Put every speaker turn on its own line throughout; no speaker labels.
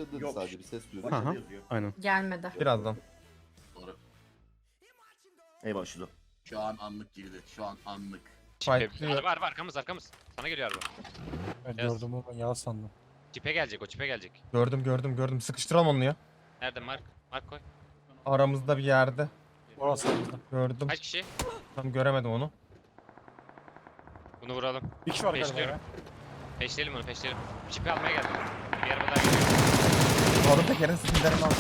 başladı dedi
Yok.
sadece bir ses duydum.
Aha.
Başladı yazıyor.
Aynen.
Gelmedi.
Birazdan.
Doğru. Eyvah şurada. Şu an anlık girdi. Şu an anlık.
Fight.
Araba arkamız. Sana geliyor araba.
Ben
Yes.
gördüm ama yalan sandım.
Çipe gelecek o çipe gelecek.
Gördüm. Sıkıştıralım onu ya.
Nerede Mark? Mark koy.
Aramızda bir yerde.
Orası bizde.
Gördüm.
Kaç kişi?
Tam göremedim onu.
Bunu vuralım.
Bir kişi var galiba
Peşliyorum.
ya.
Peşleyelim onu peşleyelim. Çipi almaya geldim. Bir araba daha geliyor.
Aldım tekerin skillerini aldım.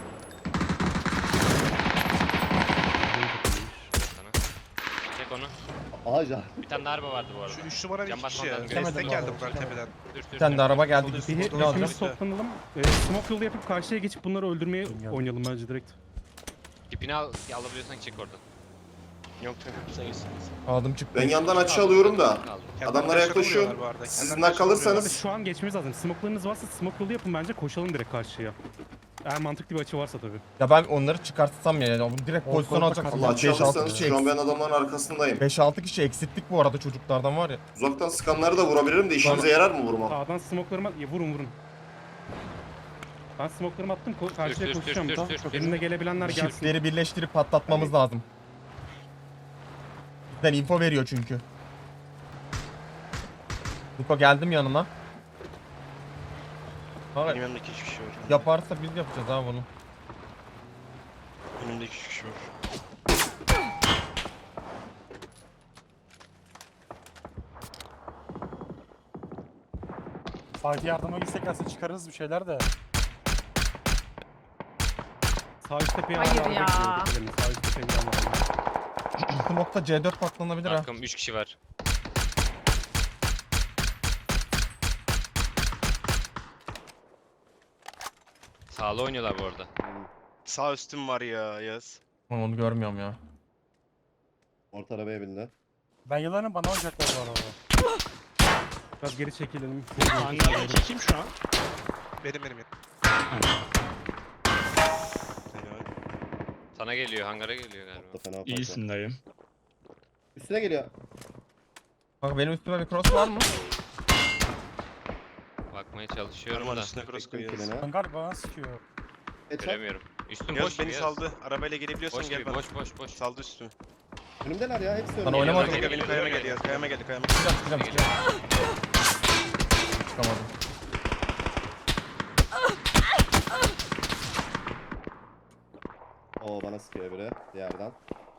Sana. Çek onu.
Aha can.
Bir tane daha araba vardı bu arada.
Şu 3 numara bir
Can
kişi
basmadan
ya.
göremedim
Destek
abi.
geldi bunlar tepeden.
Bir tane de araba geldi.
Solda
Bir
üstü,
ne
solda
alacağız?
üstü.
Hepimiz toplanalım. Smoke yolu yapıp karşıya geçip bunları öldürmeye
Bilmiyorum.
oynayalım bence direkt.
Çipini alabiliyorsan çek oradan.
Yok sen gitsin.
Aldım çıktı.
Ben yandan açı alıyorum da.
Kaldı.
Adamlara yaklaşıyor. Siz kalırsanız
Şu an geçmemiz lazım. Smoke'larınız varsa smoke yolu yapın bence koşalım direkt karşıya. Eğer mantıklı bir açı varsa tabii.
Ya ben onları çıkartsam ya. Bu direkt
O
pozisyon
konuda
alacak.
katıldım.
Allah açı
5-6
alırsanız
kişi
şu an ben adamların arkasındayım.
5-6 kişi eksilttik bu arada çocuklardan var ya.
Uzaktan sıkanları da vurabilirim de işinize yarar mı vurmam?
Sağdan smoke'larımı vurun. Ben smoke'larımı attım. Karşıya
Sür.
koşacağım.
Tamam, çok
Benimle gelebilenler gelsin.
Shiftleri birleştirip patlatmamız lazım. Bizden info veriyor çünkü. Niko geldim yanına. Ha,
Benim yanımda 2 kişi var.
yaparsa biz yapacağız abi bunu.
Önümde 2 kişi var.
Fatih yardıma gitsek aslında çıkarırız bir şeyler de.
Sağ üst tepeye
Hayır
hala
ya.
bekliyorum. Sağ üst tepeye gidenler var.
Smoke'ta C4 patlanabilir ha.
Markım 3 kişi var. Sağlı oynuyorlar bu arada.
Sağ üstüm var ya Yaz.
Ben onu görmüyorum ya.
Orta arabaya bindi.
Ben yılanım bana oynayacaklar bu arada.
Biraz geri çekilelim.
Hangi kim şu an? Benim. Helal.
Sana geliyor, hangara geliyor galiba.
Orta fena fark var.
İyisin dayım.
Üstüne geliyor.
Bak benim üstüme bir cross var mı?
Bakmaya çalışıyorum
Arman
da.
üstüne cross
Çektim
koyuyoruz.
kilini.
Ben galiba bana sıkıyor.
Headshot.
Göremiyorum. Üstüm
Yaz
boş
beni
Yaz.
saldı. Arabayla gelebiliyorsan
Boş
gel
gibi,
bana.
boş.
Saldı üstümü.
Önümdeler ya hepsi
Sana
önümde.
oynamadım.
Kanka benim kayama
geliyor.
geldi Yaz. Kayama geldi.
Çıkacağım. Çıkamadım.
Oo bana sıkıyor biri bir yerden.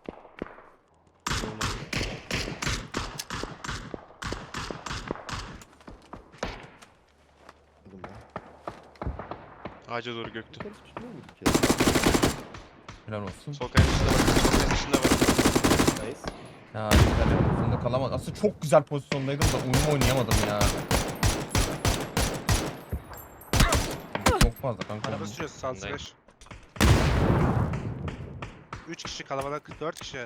Vurdum ben.
Ağaca doğru göktü.
Yukarı çıkmıyor mu bir kere?
Helal olsun.
Sol kayanın üstünde bak. Sol kayanın üstünde bak.
Nice.
Ya güzel pozisyonda kalamadım. Aslında çok güzel pozisyondaydım da uyum oynayamadım ya. Çok fazla kanka.
Araba sürüyoruz. Sağ
Bundayım.
5. 3 kişi kalabalık. 4 kişi.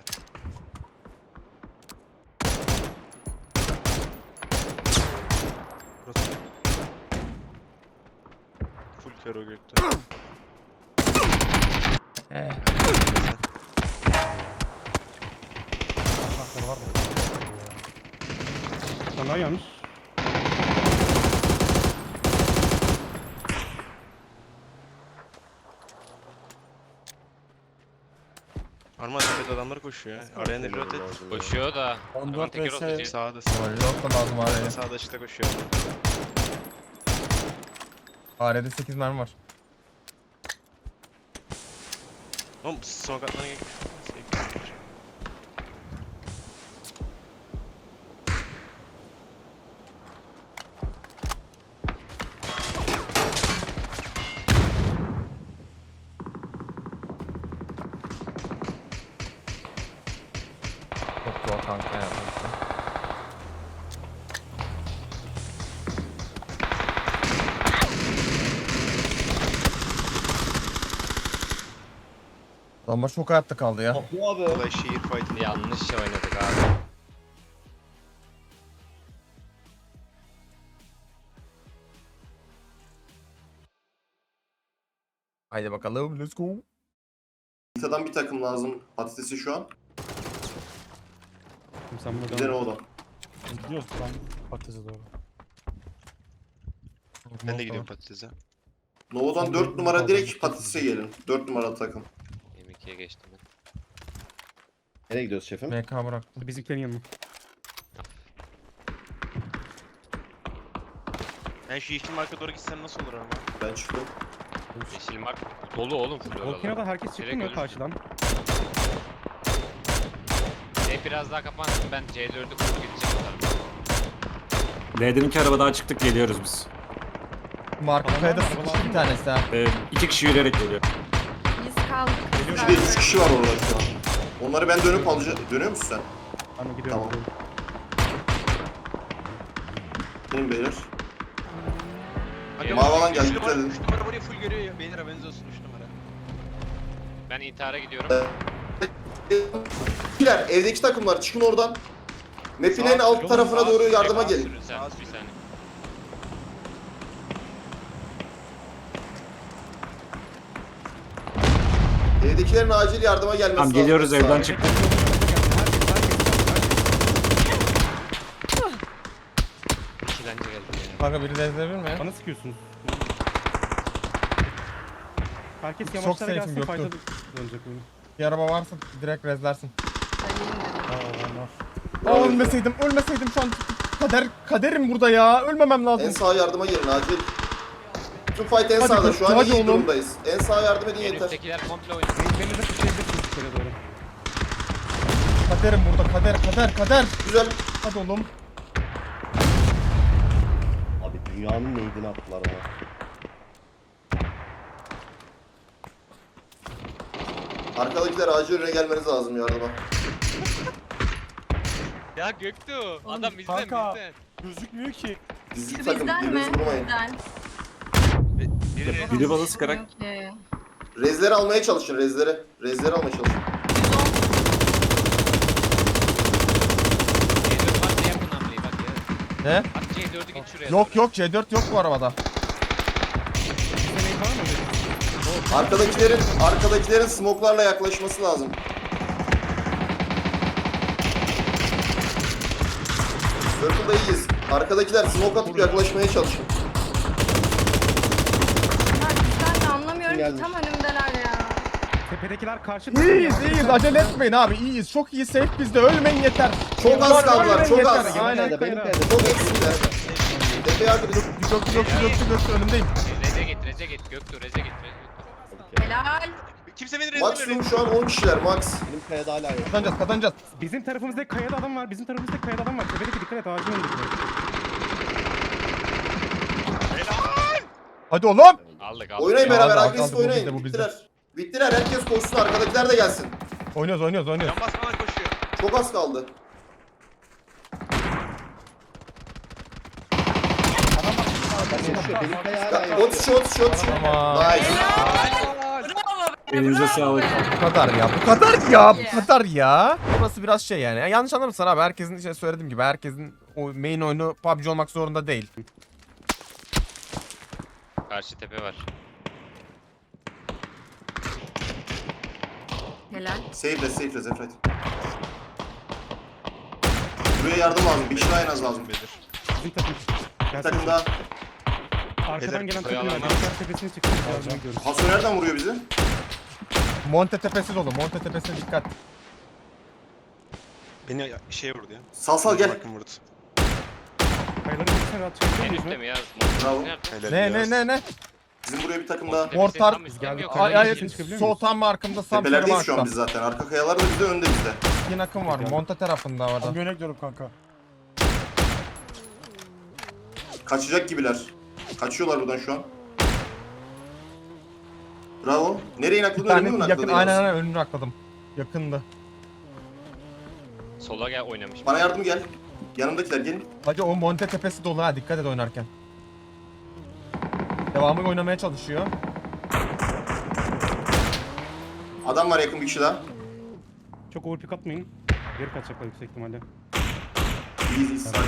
Burası. Full kero gökte.
Hakları var da.
Sen daha yanlış.
Arman tepede adamlar koşuyor ya. Araya ne pilot et.
Koşuyor da.
14
Aman teker
vs.
oldu,
Sağda
Yok da lazım AR'ye.
sağda açıkta koşuyor.
AR'de 8 mermi var.
Oğlum son katlarına gel.
Çok zor kanka ya. Adamlar çok hayatta kaldı ya.
Bu abi.
Olay şehir fight'ı.
Yanlış oynadık abi.
Haydi bakalım let's go.
Nita'dan bir takım lazım patatesi şu an.
Şimdi sen
Bir
buradan...
de ne o da.
Gidiyoruz ben patatese doğru.
Ben de gidiyorum patatese.
Nova'dan
Son
4
dört
numara
numara
direkt
aldım.
patatese gelin. 4 numaralı takım.
M2'ye geçtim ben.
Nereye gidiyoruz şefim?
MK bıraktım.
Bizimkilerin yanına.
Ben şu yeşil marka doğru gitsem nasıl olur ama?
Ben çıktım.
Yeşil mark dolu oğlum full
Volcano'da
oralar.
herkes çıktı
Direkt
mı
ölürsün.
karşıdan?
Biraz daha kapansın ben C4'ü kurup gideceğim o tarafa.
L'deki arabadan çıktık geliyoruz biz.
Marka kayada sıkıştı bir tanesi ha.
2 kişi yürüyerek geliyor.
Biz kaldık.
3 kişi var orada şu an. Onları ben dönüp alacağım. Dönüyor musun sen?
Ben de gidiyorum.
Tamam. Benim beyler.
Hadi
Mavi alan geldi,
Üç
dikkat edin.
3 numara burayı full görüyor ya. Beyler haberiniz olsun 3 numara.
Ben intihara gidiyorum.
Beyler evdeki takımlar çıkın oradan. Map'in en alt tarafına doğru yardıma gelin.
Sürün sen, bir saniye.
Evdekilerin acil yardıma gelmesi
Tamam
lazım.
geliyoruz
Sağ
evden
ol.
çıktık.
İkilenci geldi ya.
Kanka biri de izleyebilir mi?
Bana sıkıyorsunuz. Herkes
Çok
yavaşlara
safe'im,
gelsin
Göktuğ.
fight'a dönecek oyun.
Bir araba varsa direkt rezlersin.
Aa, onlar.
Ölmeseydim şu an kaderim burada ya. Ölmemem
En
lazım.
sağa yardıma gelin acil. Tüm fight en
Hadi
sağda.
Göktuğ,
Şu an
hadi
iyi
oğlum.
durumdayız. En sağa yardım edin
En
yeter.
üsttekiler komple oynuyor.
Beni de kuşayabilirsiniz içeri doğru.
Kaderim burada kader.
Güzel.
Hadi oğlum.
Abi dünyanın neydini attılar bana.
Arkadakiler acil önüne gelmeniz lazım yardıma.
Ya Göktuğ adam bizden
kanka.
bizden.
Gözükmüyor ki.
Bizlik takım
Bizden mi?
birbirinizi vurmayın.
Bizden.
Biri bana sıkarak
Okey.
Rezleri almaya çalışın rezleri. Rezleri almaya çalışın.
C4 varsa yapın hamleyi bak ya.
Ne?
At C4'ü git şuraya.
Yok C4 yok bu arabada.
Senin var mı?
Arkadakilerin smoke'larla yaklaşması lazım. Circle'da iyiyiz. Arkadakiler smoke atıp yaklaşmaya çalışın.
Ya bizden de anlamıyorum ki
Gelmiş.
tam önümdeler ya.
Tepedekiler karşı
İyiyiz acele etmeyin abi iyiyiz çok iyi safe bizde ölmeyin yeter.
Çok az kaldılar,
Ölmeyin
çok
yeter.
az.
Aynen.
Benim perde.
Çok eksikler. Tepeye arkadaş.
Göktü önündeyim.
Reze git Göktuğ Reze git.
Helal.
Kimse beni rezil
Maksimum şu an 10 kişiler max.
Benim kayada hala yok.
Kazanacağız.
Bizim tarafımızda kayada adam var. Tepedeki dikkat et ağacın önünde.
Hadi oğlum.
Aldık.
Oynayın
Ya
beraber,
aldı,
agresif
aldı, bu bizde,
oynayın.
bu bizde.
Bittiler, herkes koşsun, arkadakiler de gelsin.
Oynuyoruz.
Can basmadan koşuyor.
Çok az kaldı.
Benim kaya hala yok.
Ot shot.
Tamam.
Nice.
elinize sağlık.
Bu kadar ya. Burası biraz şey yani. Yanlış anlamışsın abi. Herkesin işte söylediğim gibi herkesin o main oyunu PUBG olmak zorunda değil.
Karşı tepe var.
Helal.
Save Zefret. Buraya yardım lazım, bir kişi daha en az lazım.
Bizim takım.
Bir takım daha.
Arkadan gelen takım var.
Oyalanlar.
Bilgisayar tepesine çıktı. Yardıma gidiyoruz.
Haso nereden vuruyor bizi?
Monte tepesi dolu. Monte tepesine dikkat.
Beni şey vurdu ya.
Sal gel.
Bakın vurdu.
Kayaların tepesine rahat çıkabiliyor
En
muyuz
üstte
mu?
mi ya?
Bravo.
Nerede?
Ne?
Bizim buraya bir takım daha.
Mortar.
Geldik.
Ay
Çıkabiliyor
sol
muyuz?
tam arkamda Sam
Tepelerdeyiz şu an
Sarımark'ta.
biz zaten. Arka kayalar da bize, önde bizde.
İki akım var. Monte tarafında
Ben
orada.
yöne gidiyorum kanka.
Kaçacak gibiler. Kaçıyorlar buradan şu an. Bravo. Nereye
Bir
nakladın? Önüme mi
tane
nakladın?
yakın aynen önünü akladım. Yakındı.
Sola gel oynamış.
Bana yardım gel. Yanımdakiler gelin.
Hacı o Monte tepesi dolu ha dikkat et oynarken. Devamı oynamaya çalışıyor.
Adam var yakın bir kişi daha.
Çok overpick atmayın. Geri kaçacaklar yüksek ihtimalle.
İyiyiz. Sakin.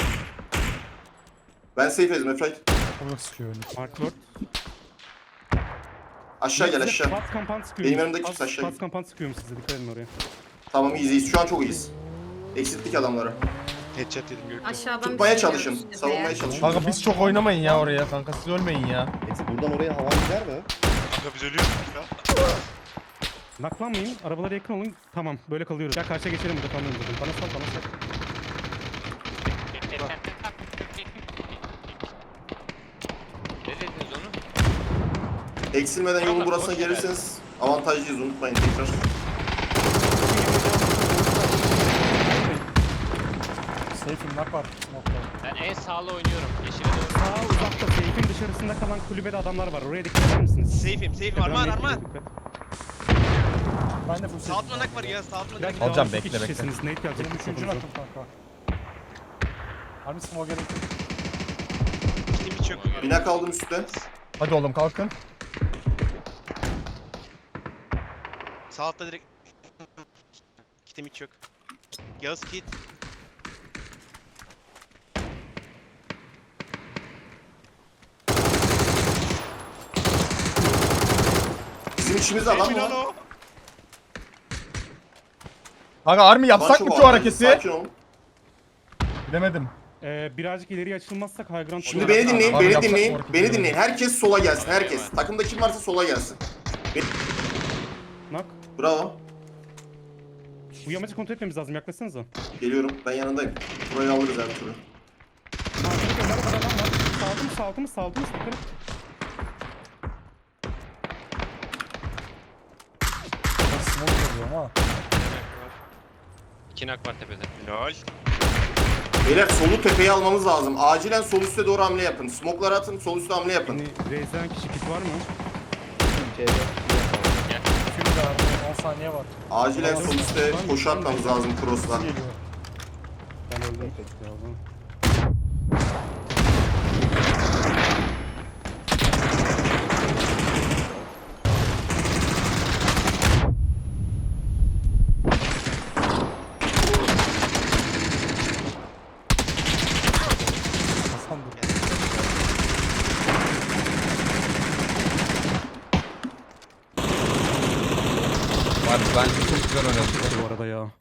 Ben safe ezim Efrait.
Orada sıkıyor önü.
Mark Lord.
Aşağı gel aşağı.
Fast kampan sıkıyor.
Benim yanımda kimse aşağı
Fast kampan sıkıyorum size. Dikkat edin oraya.
Tamam iyiyiz. Şu an çok iyiyiz. Eksilttik adamları.
Headshot yedim Gökhan.
Aşağıdan
Tutmaya
bir şey
çalışın.
geliyor işte
Savunmaya
be.
çalışın.
Kanka biz çok oynamayın ya oraya kanka. Siz ölmeyin ya.
Buradan oraya hava gider mi?
Kanka biz ölüyoruz ya.
Naklanmayın. Arabalara yakın olun. Tamam. Böyle kalıyoruz. Ya karşıya geçelim burada kalmayalım zaten. Bana sal bana sal.
Ne dediniz onu?
Eksilmeden yolun burasına gelirseniz avantajlıyız, unutmayın tekrar.
Safe'im nak var. Nokta.
Ben en sağlı oynuyorum. Yeşile doğru.
Sağ uzakta seyfin dışarısında kalan kulübede adamlar var. Oraya dikkat eder misiniz?
Safe'im. Arman.
Dikkat.
Ben de full
Sağ altına nak var ya. Sağ altına
Biraz
direkt.
Alacağım,
daha
bekle,
iki
bekle.
kişisiniz. Nate gelecek.
Benim üçüncü
Sokunuza.
nakım kanka. Harbi smoke gerek yok.
Kitim hiç yok.
Bina kaldım üstte.
Hadi oğlum kalkın.
Sağ altta direkt. Kitim hiç yok. Yağız kit.
Bizim içimizde adam mı var?
o.
Kanka Army yapsak
Maço
mı
var,
şu hareketi?
Sakin olun.
Bilemedim.
Birazcık ileriye açılmazsak high ground
Şimdi
olur.
beni dinleyin,
Abi
beni
yapsak
dinleyin,
bu hareketi
beni
ya.
dinleyin. Herkes sola gelsin, herkes. Takımda kim varsa sola gelsin.
Nak.
Bravo.
Bu yamacı kontrol etmemiz lazım. Yaklaşsanıza.
Geliyorum, ben yanındayım. Burayı alırız her türlü.
Arkada kenarda adam var. Saldınız. Dikkat et.
Ben smoke görüyorum ha.
2 nak var tepede.
Lol.
Beyler solu tepeye almamız lazım. Acilen sol üste doğru hamle yapın. Smoke'ları atın, sol üste hamle yapın.
Beni reizden kişi kit var mı?
Full de abi. 10 saniye var.
Acilen sol üste koşu atmamız lazım cross'la.
Geliyor.
Ben öldüm.
Hasan dur.
Abi bence çok güzel oynadık.
Bu arada ya.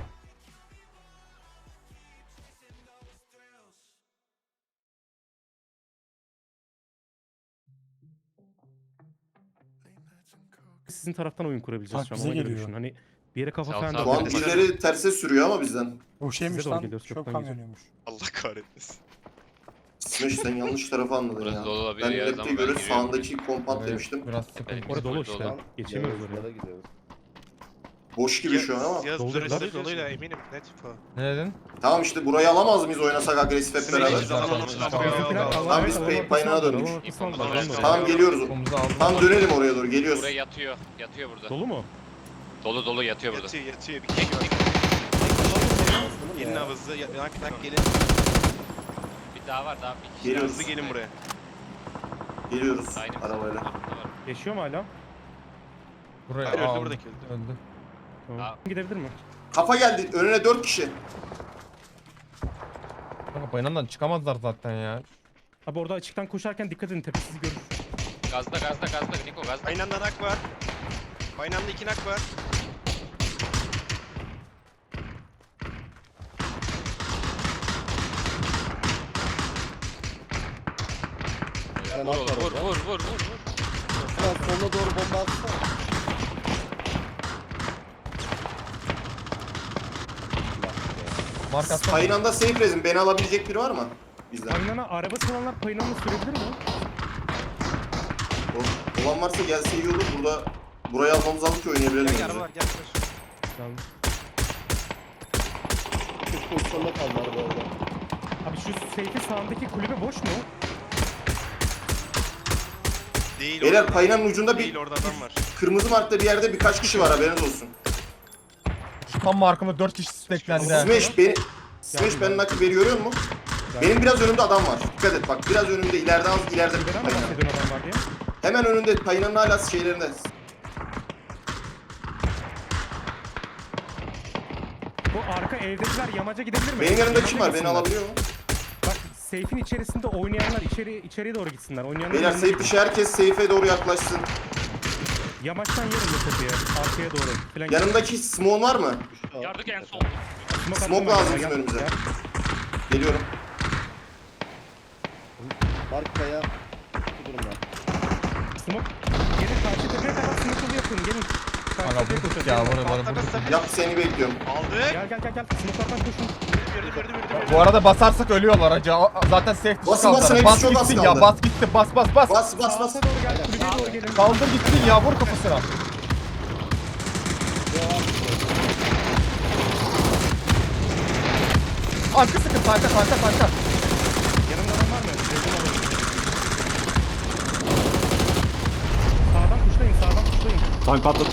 Sizin taraftan oyun kurabileceğiz
Bak
şu an.
bize
Ona göre
geliyor.
düşün. Hani bir yere kafa
Sağ ol,
falan
sağ ol.
Şu an
da
birileri terse sürüyor ama bizden.
O şeymiş
Size doğru
lan.
geliyoruz,
Çöp
çöpten
kamyonuymuş.
Allah kahretmesin.
Smash sen yanlış tarafa anladın
Burası
ya.
dolu olabilir
Ben
ya,
map'te
zaman ben
göre
giriyorum.
sağındaki kompant demiştim.
Biraz sıkıntı.
Orada dolu
Dolu.
işte. Geçemiyoruz oraya.
Boş gibi şu an ama.
Yağız
Doldur,
turist
doldur.
doluyla eminim. Net falan.
Ne dedin?
Tamam işte burayı alamaz mıyız oynasak agresif hep beraber? Tamam, biz payına döndük. Tamam geliyoruz.
Omuzu aldım.
Tamam dönelim oraya doğru geliyoruz.
Buraya yatıyor. Yatıyor burada.
Dolu mu?
Dolu yatıyor burada.
Yatıyor. Bir kek var. Gelin abi hızlı. Nak gelin.
Bir daha var daha bir kişi.
Geliyoruz.
Hızlı gelin buraya.
Geliyoruz
Aynı
arabayla.
Yaşıyor mu hala?
Buraya
Öldü,
aldım.
buradaki öldü.
Öldü.
Tamam. Gidebilir mi?
Kafa geldi. Önüne 4 kişi.
Kanka bayanından çıkamazlar zaten ya.
Abi orada açıktan koşarken dikkat edin tepesizi görür.
Gazda Niko gazda.
Aynı anda nak var. Aynı anda 2 nak var.
Vur.
Sonuna doğru bomba atsana.
Markastan.
Aynı anda safe rezim. Beni alabilecek biri var mı? Bizden.
Paynana arabası olanlar paynanını sürebilir mi?
Olan varsa gelse iyi olur. Burayı almamız lazım ki oynayabilelim.
Gel
bence.
araba var gel.
Tamam.
Çok pozisyonda kaldı araba orada.
Abi şu safe'in sağındaki kulübe boş mu?
Değil
Beyler
orada.
paynanın ucunda
Değil
bir
orada adam var.
kırmızı markta bir yerde birkaç kişi var, haberiniz olsun.
Tam markımda 4 kişi steklendi. ha.
Smash benim nakı veriyor mu? Benim biraz önümde adam var. Dikkat et bak, biraz önümde, ileride az ileride bir
Neden
payına.
bahsediyorsun adam var diye?
Hemen önünde payınanın hala şeylerinde.
Bu arka evdekiler yamaca gidebilir mi?
Benim yanımda
Yamaca
kim var? Beni
gitsinler.
alabiliyor mu?
Bak safe'in içerisinde oynayanlar içeriye doğru gitsinler. Oynayanlar
Beyler
yanına
safe
gidin.
dışı, herkes safe'e doğru yaklaşsın.
Yamaçtan yerin de tepeye. Arkaya doğru. Falan.
Yanımdaki smoke var mı?
Yardık en sol.
Smoke
attım
lazım
ben.
bizim
Yap,
önümüze.
yap.
Geliyorum.
Barkaya bu durumda.
Smoke. Gelin karşı tepeye kadar smoke yolu yapın. Gelin. Karşı
Aga
tepeye
bulduk
koşun.
ya
Gelin.
buraları bulduk.
Yap seni bekliyorum.
Aldık.
Gel. Smoke'lardan koşun.
Gördüm.
Bu arada basarsak ölüyorlar hacı. Zaten safe dışı
Basın, basın,
kaldılar.
hepsi
Bas
çok az
gitsin ya.
kaldı.
Bas gitti. Bas.
Bas bas bas.
Sağa doğru gel. Kulübeye doğru gelin.
Kaldır gitsin ya. Vur kafasına. Arka sıkın. Kanka.
Yanımda adam var mı? Sevdim alalım. Sağdan kuşlayın.
Tank patladı.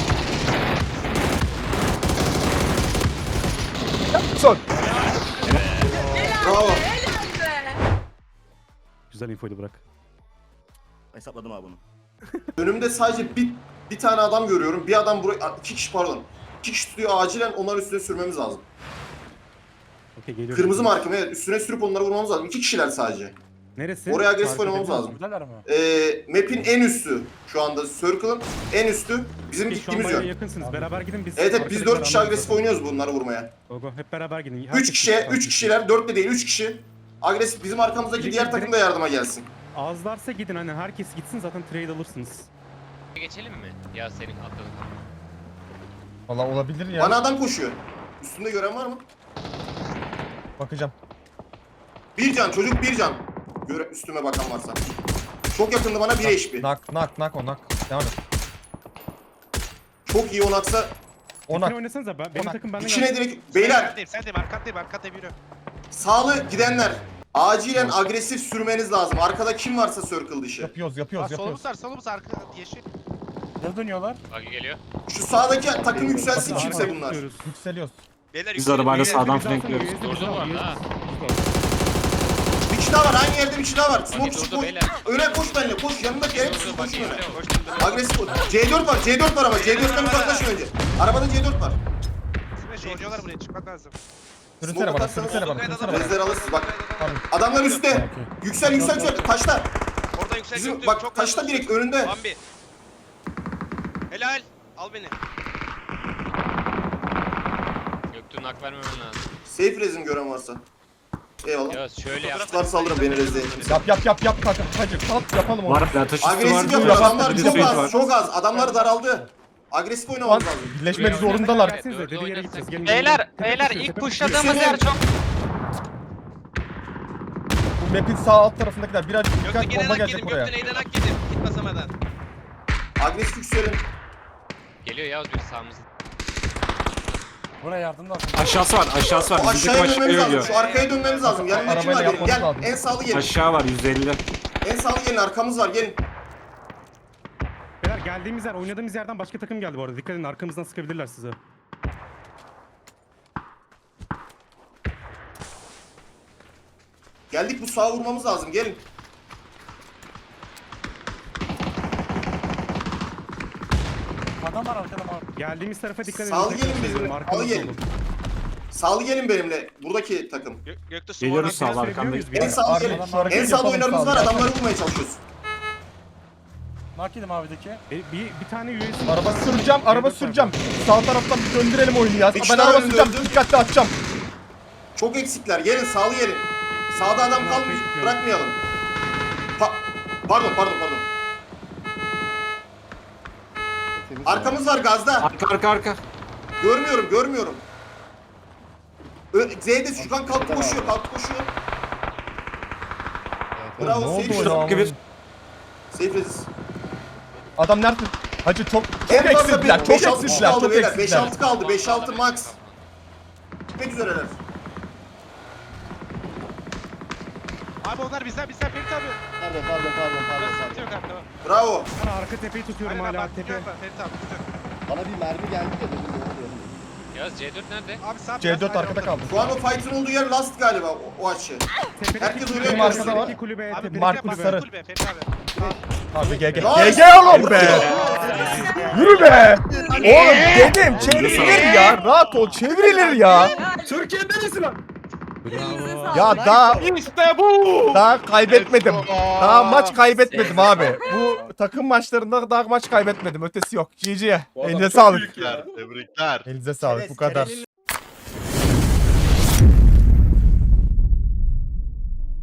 Son.
Bravo.
Güzel infoydu bırak.
Hesapladım abi bunu.
Önümde sadece bir tane adam görüyorum. Bir adam buraya... 2 kişi pardon. 2 kişi tutuyor, acilen onların üstüne sürmemiz lazım.
Okey geliyorum.
Kırmızı markım, evet. Üstüne sürüp onları vurmamız lazım. 2 kişiler sadece.
Neresi?
Oraya agresif
Fark
oynamamız
edebiliyor
lazım.
Buradalar mı?
Map'in en üstü. Şu anda Circle'ın en üstü. Bizim
Şu an
gittiğimiz
bayağı
yön.
yakınsınız. Beraber gidin biz.
Evet biz 4 kişi
arkadakiler
agresif
anlarız
oynuyoruz bunları vurmaya.
zaten. Go. Hep beraber gidin.
3
Herkes
kişiye,
gitsin.
3 kişiler, 4 de değil 3 kişi. Agresif bizim arkamızdaki
Direkt-
diğer takım da yardıma gelsin.
Azlarsa gidin hani herkes gitsin zaten trade alırsınız.
Geçelim mi? Ya senin atladın.
Valla olabilir ya.
Bana adam koşuyor. Üstünde gören var mı?
Bakacağım.
Bir can, çocuk bir can. Üstüme bakan varsa. Çok yakındı bana 1 HP.
Nak o nak. Devam et.
Çok iyi onaksa.
O
Tekrar
nak.
oynasanıza benim
Onak.
takım benden
İçine direkt. Beyler
Sendeyim arkandayım yürü.
sağlı gidenler. Acilen agresif sürmeniz lazım. Arkada kim varsa circle dışı.
Yapıyoruz.
Solumuz arka yeşil.
Ne dönüyorlar?
Bagi geliyor.
Şu sağdaki takım yükselsin
Bakın,
kimse bunlar.
Yükseliyoruz.
Beyler
Biz arabayla sağdan flankliyoruz.
Durdu bu arada ha.
Bir kişi daha var, aynı yerde bir kişi daha var. Smoke
Bagi
çık
durdu
koş.
beyler.
Öne koş benimle, koş. Yanındaki hep
Durdu
koş
Bagi
öne.
geliyor.
Agresif ol. C4 var ama C4'ten uzaklaşın önce. Arabada C4 var.
Hocalar buraya çıkmak lazım.
Sürünsene bana. Sürünsene bana.
Rezler alırsınız bak.
Tamam.
Adamlar üstte. Yüksel. Taşta.
Oradan yüksel
Bizim
göktürk,
bak
çok
taşta
lazım.
direkt önünde.
Bambi. Helal. Al beni.
Göktürk'ün hak vermemen lazım.
Safe rezim gören varsa. Eyvallah.
Ya şöyle yap.
Tutar saldırın beni rezil edin.
Yap kanka. Hacı kalk yapalım onu.
Var ya taş üstü var.
Agresif
Dur,
yapın
yapalım.
adamlar
Bir de
çok
suite
az
var.
çok az. Adamlar daraldı. Agresif
Lan
oynamamız lazım.
birleşmek
Buraya
zorundalar.
Gelsenize dediği yere gideceğiz. Gelin,
Beyler,
gelin. Tepe
beyler
düşüyor,
ilk
tepe
pusladığımız
düşüyor.
yer çok...
Bu map'in sağ alt tarafındakiler birazcık
Göktü
dikkat
gelen
bomba
hak
gelecek
yedim.
oraya.
Göktü neyden hak yedim. Git basamadan.
Agresif yükselin.
Geliyor Yavuz bir sağımızda.
Buraya yardım lazım.
Aşağısı var.
O
Bizim
aşağıya
aşağıya
dönmemiz lazım.
ölüyor.
Şu arkaya dönmemiz lazım. Yanında kim
Arabayla
var benim?
yapmamız
Gel
lazım.
en sağlı gelin.
Aşağı var 150.
En sağlı gelin, arkamız var, gelin.
Beyler geldiğimiz yer, oynadığımız yerden başka takım geldi bu arada. Dikkat edin arkamızdan sıkabilirler size.
Geldik, bu sağa vurmamız lazım, gelin.
Adam var arkada var.
Geldiğimiz tarafa dikkat edin.
Sağlı
tekrar
gelin bizimle,
söylüyorum,
sağlı
arkamızda
gelin.
olun.
Sağlı gelin benimle, buradaki takım.
Göktü
Geliyoruz
sonra.
sağ
Söyleyebiliyor
arkandayız.
muyuz?
En sağlı gelin.
Arkadan hareket
En sağlı
yapalım
oyunlarımız var,
sağlı.
adamları vurmaya çalışıyoruz.
Mark yedim abideki.
Bir tane üyesi...
Araba süreceğim. Sağ taraftan bir döndürelim oyunu ya.
Bir
Ben
kişi daha
araba
önde
süreceğim.
öldü.
Dikkatli atacağım.
Çok eksikler, gelin, sağlı gelin. Sağda adam kalmış, bırakmayalım. Pardon. Arkamız var gazda.
Arka.
Görmüyorum. Z'de Şükran kalktı koşuyor. Bravo,
Ne oldu
safe
o
shot.
ya?
Gibi.
Safe resist.
Adam nerede? Hacı çok
En fazla
eksildiler.
5-6
Çok
kişi
eksildiler.
kaldı
Çok
beyler.
eksildiler.
5-6 kaldı. 5-6 max. Gitmek üzereler.
Abi onlar bizden Ferit abi.
Pardon.
Sıkıntı yok abi tamam.
Bravo.
Ben arka tepeyi tutuyorum
Aynen,
hala
bak,
tepe.
Ferit abi.
Bana bir mermi geldi de dedim ne oluyor?
Yavuz C4 nerede?
Abi sağ
C4 arkada kaldı.
Şu an o fight'ın olduğu yer last galiba o açı.
Tepedeki
Herkes
kulübe,
oraya
Benim arkada var.
tepedeki kulübe,
Abi
tepedeki
Mark
kulübe.
sarı.
Ferit abi.
Abi GG.
Nice.
GG oğlum be. Yürü be. Oğlum dedim çevrilir ya. Rahat ol çevrilir ya.
Bravo.
Ya daha kaybetmedim. Daha maç kaybetmedim abi. Bu takım maçlarında daha maç kaybetmedim. Ötesi yok. GG. Elinize sağlık.
Tebrikler.
Elinize sağlık bu kadar.